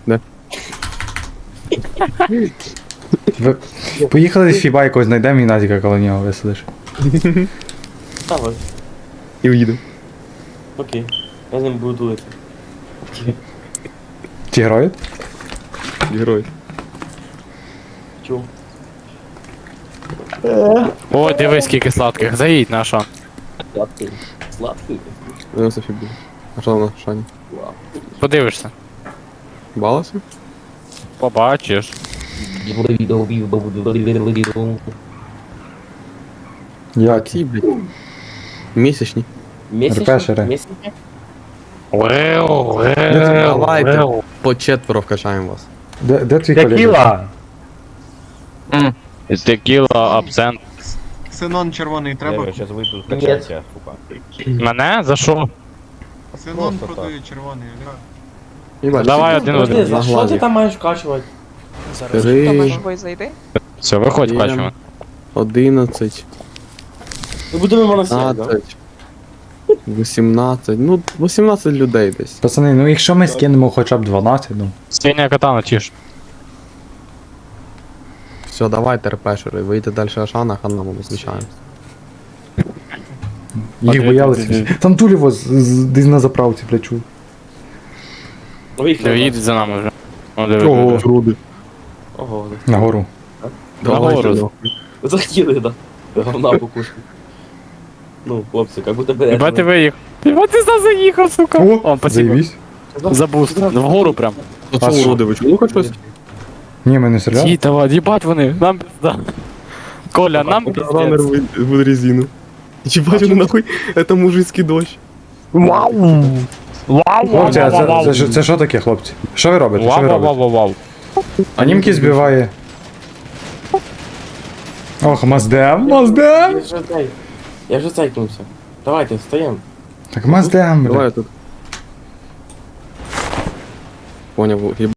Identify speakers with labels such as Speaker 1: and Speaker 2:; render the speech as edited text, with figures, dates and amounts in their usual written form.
Speaker 1: Ви... Поїхали з Фіба якогось знайдемо і Назіка коло нього висадиш.
Speaker 2: Давай.
Speaker 3: І уїду.
Speaker 2: Окей. Я з ним буду тулити.
Speaker 1: Ті грають?
Speaker 3: Герой.
Speaker 2: Чув.
Speaker 4: О, дивись, скільки сладких. Заїдь на що.
Speaker 2: Сладкий. Сладкий.
Speaker 3: Ну, Софі буде. А що вона, Шані?
Speaker 4: Подивишся.
Speaker 3: Балася?
Speaker 4: Побачиш.
Speaker 1: Як?
Speaker 3: Ті, блядь. Місячні.
Speaker 1: Репешери.
Speaker 2: Месячні?
Speaker 3: Давайте. По четверо вкачаємо вас.
Speaker 1: Де твій колега?
Speaker 5: Текіла!
Speaker 4: Текіла, абсент.
Speaker 6: Ксенон червоний треба.
Speaker 5: Я зараз вийду
Speaker 2: Ні.
Speaker 5: скачатися, сука.
Speaker 4: Мене? За що?
Speaker 6: Ксенон
Speaker 5: Просто
Speaker 6: продає червоний, ага.
Speaker 3: Їбать,
Speaker 4: Давай
Speaker 3: всі
Speaker 4: один
Speaker 2: Подожди,
Speaker 4: один.
Speaker 2: за
Speaker 3: на
Speaker 2: що ти
Speaker 3: глазі.
Speaker 2: там маєш вкачувати?
Speaker 3: Три,
Speaker 7: Томаш, бой зайди.
Speaker 4: Все, виходь,
Speaker 3: Є.
Speaker 4: бачимо.
Speaker 3: 11,
Speaker 2: Ми будемо моносіяти, да?
Speaker 3: 15, 18, ну 18 людей десь.
Speaker 1: Пацани, ну якщо ми скинемо хоча б 12, ну.
Speaker 4: Синя катана тіш.
Speaker 3: Все, давайте репешери, вийти далі Ашана, Ханна ми зустрічаємося.
Speaker 1: Їх боялися. Там Тулєво десь на заправці, блядь, чув.
Speaker 2: Виїхали.
Speaker 4: Їдуть за нами вже. О, диви,
Speaker 1: Ого.
Speaker 4: диви.
Speaker 3: Груди.
Speaker 2: Ого,
Speaker 1: Нагору.
Speaker 3: Давайте,
Speaker 4: Нагору.
Speaker 3: ну.
Speaker 2: захотіли, да. Говна покушки. Ну, хлопці, как будто бы...
Speaker 4: Єбать ти виїхав. Єбать ти сюди заїхав, сука. О, спасибо.
Speaker 1: заєбісь.
Speaker 4: За буст. Вгору прям.
Speaker 3: А
Speaker 1: А
Speaker 3: що
Speaker 1: що?
Speaker 3: уроди, ви чули хоч щось?
Speaker 1: Ні, ми не стріляли.
Speaker 4: Ті, давай, їбать вони. Нам пизда. Коля, нам
Speaker 3: Ранер
Speaker 4: пиздец.
Speaker 3: в резину. Ебать, ну нахуй, это мужицкий дождь.
Speaker 4: Вау!
Speaker 1: Хлопці, а це що таке, хлопці? Що ви робите? Що ви
Speaker 4: Вау,
Speaker 1: робите?
Speaker 4: вау, вау, вау.
Speaker 1: А німки збиває. Ох, Маздем, Маздем!
Speaker 2: Я вже цейкнувся. Давайте, встаємо.
Speaker 1: Так Маздем, бля.
Speaker 3: Давай я тут. Понял,